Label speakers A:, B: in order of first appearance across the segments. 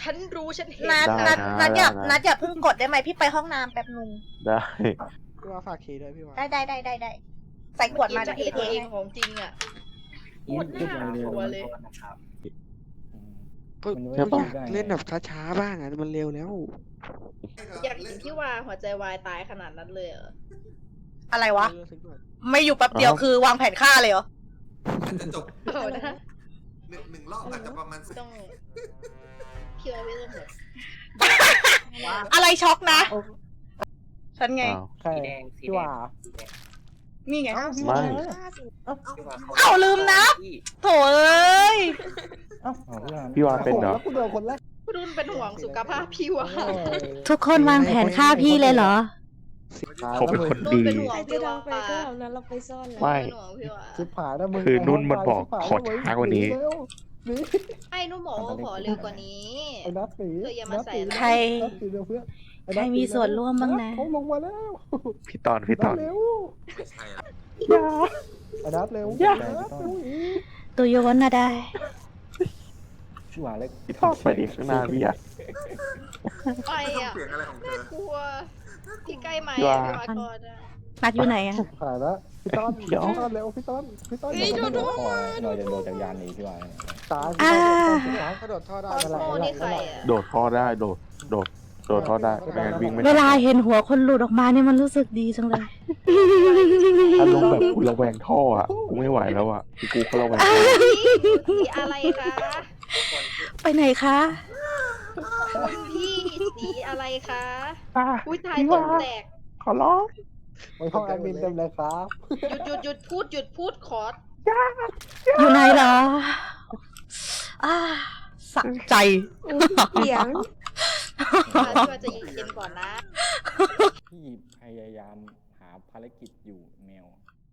A: ฉันรู้ฉันเห็น
B: นัดอย่าเพิ่งกดได้ไหมพี่ไปห้องน้ำแป๊บนึง
C: ได้
D: พี่ว่าฝากคีย์ด้วยพี่ว่า
B: ได้ใส่ขวดมา
A: จะ
B: เดี๋ยว
A: เห็
B: พี่
A: น
B: ไป
A: ตัว
B: เท
A: เองของจริงอ่ะโคตรน่ากลัวเลย
D: อยากเล่นแบบช้าๆบ้างอ่ะมันเร็วแล้ว
A: อยากเห็นพี่ว่าหัวใจวายตายขนาดนั้นเลยเหรอ
B: อะไรวะ ไม่อยู่แป๊บเดียวคือวางแผนฆ่าเลยเหรอ
E: อาจจะจบ
A: เอานะ
E: หนึ่งรอบอาจจะประมาณ10
A: ต้องพี่ว่าไม่ต้องหมด
B: อะไรช็อกนะ ฉันไง
C: อ้าว
F: ใช่พี่ว่า
B: นี่ไง
C: ไม่
B: เอาลืมนะโถเอ้ย
C: พี่วาเป็นเหรอ
F: แล้วกูโดนคนแรก
A: คุณนุ่นเป็นห่วงสุขภาพพี่ว่า
G: ทุกคนวางแผนฆ่าพี่เลยเหรอ
C: เขาเป็นคน
A: นุ่น
C: ดี
A: เป็นห่วง
H: ใครจะ
A: พี่
H: ล
A: ว่า
H: องไปก็เอานั้นเราไปซ่อนแล้ว
C: ไม่
A: เป็นห่วงพี่ว่า
F: ชิบหายแล้วมึง
C: คือนุ่นมันบอกขอช้ากว่านี้
A: ไอ้นุ่นบอกว่าขอเร็วกว่านี้
F: ไอ้นัทสี
A: เธออย่ามาใส่
B: ใคร
F: นัทสีเร็วเพื่อน
G: ใครมีส่วนร่วมบ้างนะ
F: เขาลงมาแล้ว
C: พี่ตอน
F: เร็ว
E: ไม่ใช่ละ
F: ไอ้นัทเร็ว
G: ตัวโยนน่ะได้
F: ชิบหายเลย
C: พี่ตอนไปดิข้างหน้าพี่อะ
A: ไปอ่ะ
E: เสียงอะไรของเธอ
A: กลัวพี่ใกล้ไหม
C: พี่ว่า
A: พี่ว่าก่อนอะ
G: นัดอยู่ไหนอะ
F: หายแล้วพี่ต้น
C: เดี๋ยว
F: พี่ต้นเร็วพี่ต้นเราจะโดนจากยานนี้พี่ว่าตาย
G: อ่า
D: กระโดดท่อได้
A: คอสโมนี่ใครอ่ะ
C: โดดท่อได้โดดท่อได้ไม่งั้นวิ่งไม่
G: เว
C: ทัน
G: ลาเห็นหัวคนหลุดออกมาเนี่ยมันรู้สึกดีจังเลย
C: อารมณ์แบบกูระแวงท่ออ่ะกูไม่ไหวแล้วอ่ะคือกูก็ระแวงท่อ
A: สีอะไรคะ
G: ไปไหนคะ
A: คุณพี่สีอะไรคะ
C: อ่ะ
A: อุ้ยทายตกแตก
C: ขอร้อง
F: ไปห้องแอดมินเต็มเลยครับ
A: หยุดพูดขอ
G: อยู่ไหนเหรอ
B: สะใจ
H: เสียง
A: มาช่วยจะเย็นก่อนนะ
F: พี่พยายามหาภารกิจอยู่แมว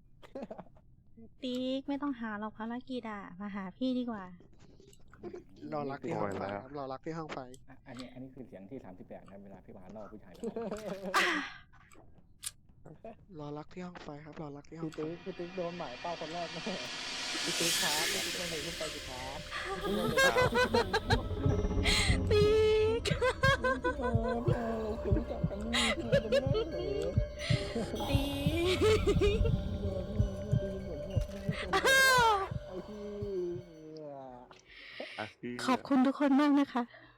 G: ติ๊กไม่ต้องหาเราภารกิจอะมาหาพี่ดีกว่า
D: รอรักที่ห้องไฟครับรอรักที่ห้องไฟ
F: อันนี้คือเสียงที่38นะเวลาพี่วานล่อผู้ชาย
D: รอรักที่ห้องไฟครับรอรักที่ห้อ
F: พี่
D: งไฟ
F: ติ๊กโดนหมายเป้าคนแรกแน่พี่ติ๊กครับพี่ติ๊กคนไหนขึ้นไปสิครับ
G: ติ๊ก
F: คุณรู้จักกันนี่คุณเป็นแม่เหรอ
G: ติ๊ก
F: ไอ้ที่
C: อ่ะพี่
G: ขอบคุณทุกคนมากนะคะ